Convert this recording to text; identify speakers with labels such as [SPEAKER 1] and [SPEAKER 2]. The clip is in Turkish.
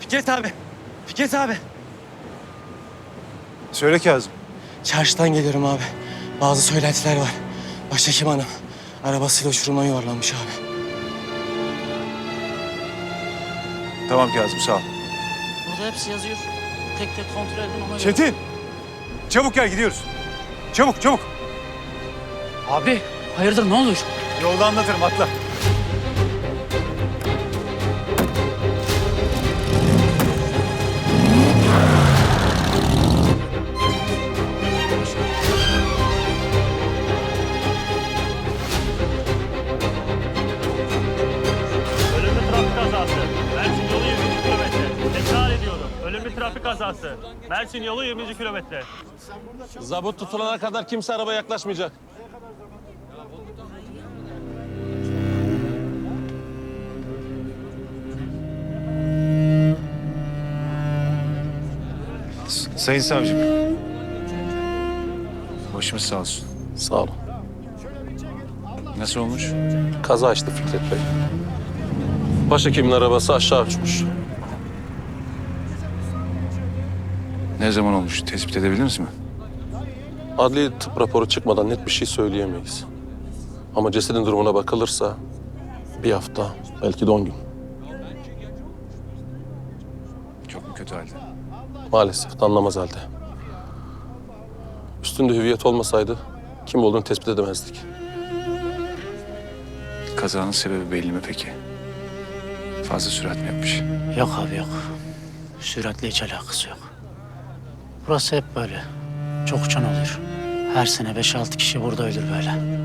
[SPEAKER 1] Fikret abi. Fikret abi.
[SPEAKER 2] Söyle Kazım.
[SPEAKER 1] Çarşıdan geliyorum abi. Bazı söylentiler var. Başhekim hanım arabasıyla uçurumdan yuvarlanmış abi.
[SPEAKER 2] Tamam Kazım, sağ ol.
[SPEAKER 3] Burada hepsi yazıyor. Tek tek kontrol edin ona göre.
[SPEAKER 2] Çetin! Çabuk gel, gidiyoruz. Çabuk, çabuk.
[SPEAKER 3] Abi hayırdır ne olur?
[SPEAKER 2] Yolda anlatırım, atla.
[SPEAKER 4] Ölümlü trafik kazası. Mersin yolu 20. kilometre. Tekrar ediyorum. Ölümlü trafik kazası. Mersin yolu 20. kilometre.
[SPEAKER 5] Zabıt tutulana kadar kimse arabaya yaklaşmayacak.
[SPEAKER 2] Sayın savcım. Başımız sağ olsun.
[SPEAKER 5] Sağ olun.
[SPEAKER 2] Nasıl olmuş?
[SPEAKER 5] Kaza işte Fikret Bey. Başhekimin arabası aşağı uçmuş.
[SPEAKER 2] Ne zaman olmuş? Tespit edebildiniz mi?
[SPEAKER 5] Adli tıp raporu çıkmadan net bir şey söyleyemeyiz. Ama cesedin durumuna bakılırsa bir hafta, belki de 10 gün.
[SPEAKER 2] Çok mu kötü halde?
[SPEAKER 5] Maalesef anlamaz halde. Üstünde hüviyet olmasaydı kim olduğunu tespit edemezdik.
[SPEAKER 2] Kazanın sebebi belli mi peki? Fazla sürat mi yapmış?
[SPEAKER 3] Yok abi yok. Süratle hiç alakası yok. Burası hep böyle. Çok uçan oluyor. Her sene 5-6 kişi burada ölür böyle.